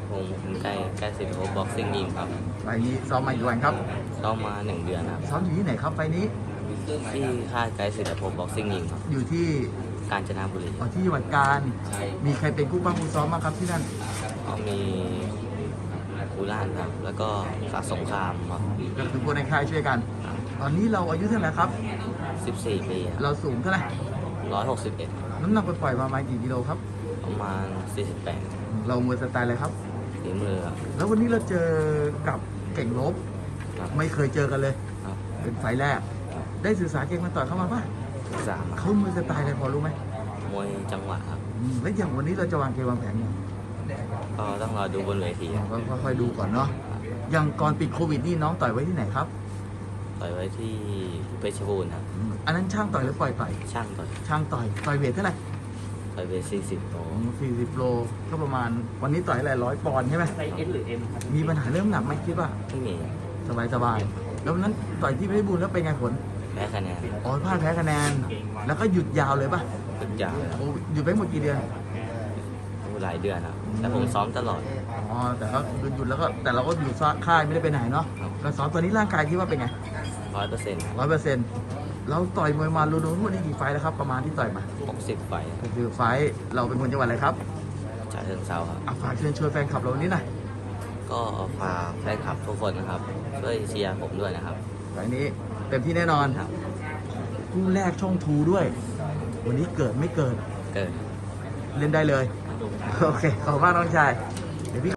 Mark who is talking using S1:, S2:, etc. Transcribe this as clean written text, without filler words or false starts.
S1: ผมใกล้สิทธิ์บ็อกซิ่งยิมครับ
S2: ไฟล์นี้ซ้อมมากี่วันครับ
S1: เข้ามา1 เดือนครับ
S2: ซ้อมอยู่ที่ไหนครับไฟล์นี้
S1: ที่ค่ายไกด์สิทธิ์บ็อกซิ่งยิมครับ
S2: อยู่ที่
S1: กาญจนบุรี
S2: ที่จังหวัดกาญมีใครเป็นคู่บ้างคู่ซ้อมบ้างครับที่นั่น
S1: ก็มีกุล่านครับแล้วก็สาสงครามครับ
S2: ก็คือคนในค่ายช่วยกันตอนนี้เราอายุเท่าไหร่ครับ
S1: 14 ปี
S2: เราสูงเท่าไหร่
S1: 161
S2: น้ำหนักปล่อยมาประมาณกี่กิโลครับ
S1: ประมาณ48
S2: เรามวยสไตล์อะไรครับ
S1: ฝีมือครับ
S2: แล้ววันนี้เราเจอกับเก่งลบไม่เคยเจอกันเลยเป็นไฟล์แรกได้ศึกษาเก่งมาต่อยเข้ามาป่ะ
S1: 3
S2: เขามวยสไตล์อะไรพอรู้ไหม
S1: มวยจังหวะครับ
S2: แล้วอย่างวันนี้เราจะวางเกมวางแผนยัง
S1: ก็ต้องรอดูบนเวที
S2: ก็ค่อยๆดูก่อนเนาะอย่างก่อนปิดโควิดนี่น้องต่อยไว้ที่ไหนครับ
S1: ต่อยไว้ที่เพชรบูรณ์ครับ
S2: อันนั้นช่างต่อยหรือปล่อยต่อย
S1: ช่างต่
S2: อยเวทเท่าไหร่
S1: ต่อยเวท40 โล
S2: 40 โลก็ประมาณวันนี้ต่อยอะไร100 ปอนด์ใช่ไหม
S1: ไซส์ S หรือ M ครับ
S2: มีปัญหาเรื่องหนักไหมคิดว่า
S1: ไม่มี
S2: สบายแล้ววันนั้นต่อยที่เพชรบูรณ์แล้วเป็นไงผล
S1: แพ้คะแนน
S2: พลาดแพ้คะแนนแล้วก็หยุดยาวเลยป่ะ
S1: หยุดยาว
S2: หยุดไปหมดกี่เดือน
S1: หลายเดือนครับแต่ผมซ้อมตลอด
S2: แต่ก็หยุดแล้วก็แต่เราก็อยู่ค่ายไม่ได้ไปไหนเนาะก็ซ้อมตอนนี้ร่างกายคิดว่าเป็นไง100%เราต่อยมวยมารวมๆทั้งหมดนี่กี่ไฟล์แล้วครับประมาณที่ต่อยมา
S1: 60 ไฟ
S2: คือไฟล์เราเป็นคนจังหวัดอะไรครับ
S1: ฉะเชิงเทราครับ
S2: ฝากเชิญชวนแฟนคลับเราวันนี้หน่อย
S1: ก็ฝากแฟนคลับทุกคนนะครับช่วยเชียร์ผมด้วยนะครับ
S2: ไฟล์นี้เต็มที่แน่นอนคู่แรกช่องทูด้วยวันนี้เกิดไม่เกิด
S1: เล่
S2: นได้เลยโอเคขอบคุณมากน้องชาย